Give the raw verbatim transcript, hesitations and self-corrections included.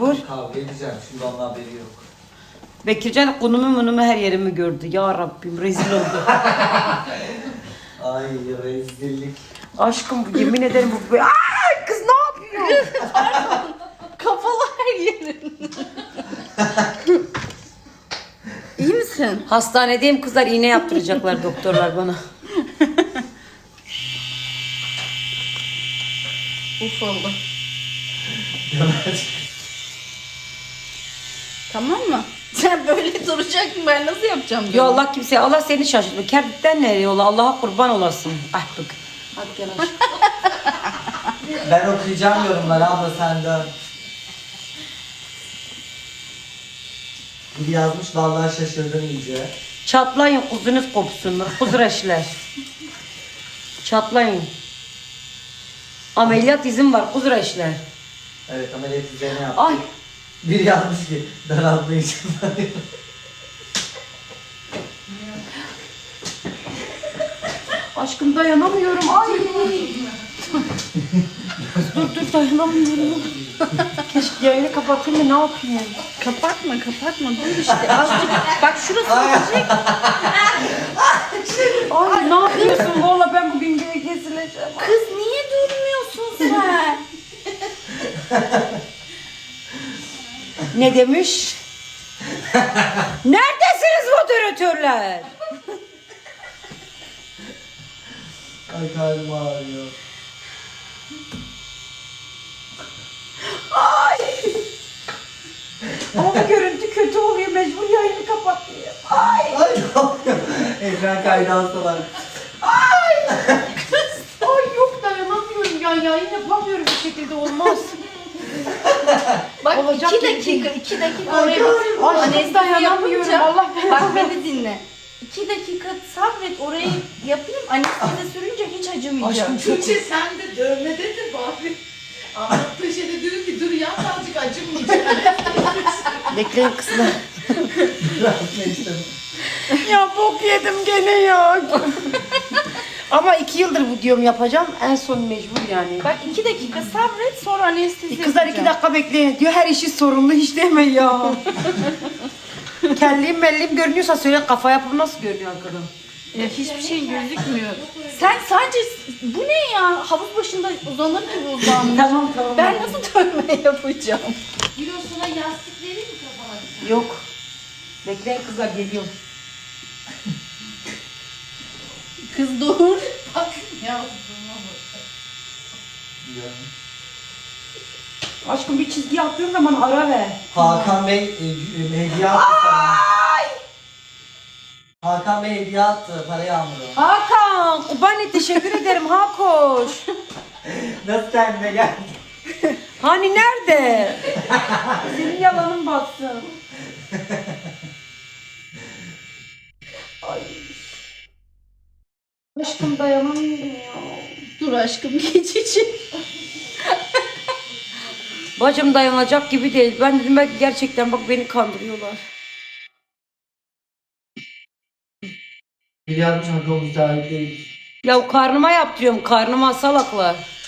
mecbur. Kavga edeceğim. Şimdi onun haberi yok. Bekircan konumu munumu her yerimi gördü. Ya Rabbim rezil oldu. Ay rezillik. Aşkım yemin ederim bu... Ay kız ne yapıyor? Kafalı her yerin. İyi misin? Hastanedeyim kızlar, iğne yaptıracaklar doktorlar bana. Uf oldu. Tamam mı? Sen böyle duracaksın, ben nasıl yapacağım? Ya Allah kimseye, Allah seni şaşırtma. Kerpikten nereye yola? Allah'a kurban olasın. Ah bak. Hadi gel aşkım. Ben okuyacağım yorumları abla sen dön. Biri yazmış vallahi şaşırdım iyice. Çatlayın kuzunuz kopsun. Kuzreşler. Çatlayın. Ameliyat izin var kuzreşler. Evet ameliyat üzerine yaptım. Ay. Biri yazmış ki daraltma için. Aşkım dayanamıyorum. Ay. dur dur dayanamıyorum. Keşke yayını kapatayım da ne yapayım? Kapatma kapatma, dur işte azıcık. Bak şurası olacak. Ay ne yapıyorsun? Valla ben bugün geri kesileceğim. Kız niye durmuyorsun sen? Ne demiş? Neredesiniz moderatörler? Ay karnım ağrıyor. Ay. Ama bu görüntü kötü oluyor. Mecbur yayını kapatayım. Ay. Ay ne yapıyor? Ekran kaydı alsalar. Ay. Kız. Ay yok dayanamıyorum ya. Yayın yapamıyorum bir şekilde olmaz. Bak Olacak iki gibi dakika, değil. iki dakika Ay, oraya karnım bak. ağrıyor. Anestezi Dayanamıyorum, yapınca, Allah belanı bak beni dinle. İki dakika sabret, orayı yapayım, anestezi sürünce hiç acımayacak. Aşkım çok... Tuğçe sen de dövmededir bari. Anlattığı şeyde diyor ki dur ya azıcık acımayacak. Bekleyin kızlar. Bırakma istemem. Ya bok yedim gene ya. Ama iki yıldır bu diyorum yapacağım. En son mecbur yani. Bak iki dakika sabret, sonra anestezi Kızlar iki dakika bekleyin diyor. Her işi sorumlu hiç deme ya. Kelliğim melliğim görünüyorsa söyle, kafa yapım nasıl görünüyor arkadan? Ya hiçbir şey gözükmüyor. Sen sadece, bu ne ya? Havuz başında uzanır gibi uzanmış. Tamam tamam. Ben nasıl dövme yapacağım? Kilosuna yastık vereyim mi kafana? Yok. Bekleyin kızlar, geliyorum. Kız dur. Bak yazdığıma bak. Aşkım bir çizgi attığın zaman ara ver. Hakan Bey e, e, hediye attı sana. Hakan Bey hediye attı para yağmuru. Hakan, Kubani teşekkür ederim Hakoş. Nasıl kendine geldi? Hani nerede? Senin yalanın batsın. Ay. Aşkım dayanamıyorum ya. Dur aşkım, geçici. Bacım dayanacak gibi değil. Ben dedim belki gerçekten bak beni kandırıyorlar. Biri yazmış Hakan müsait değil. Ya karnıma yaptırıyorum, karnıma salaklar.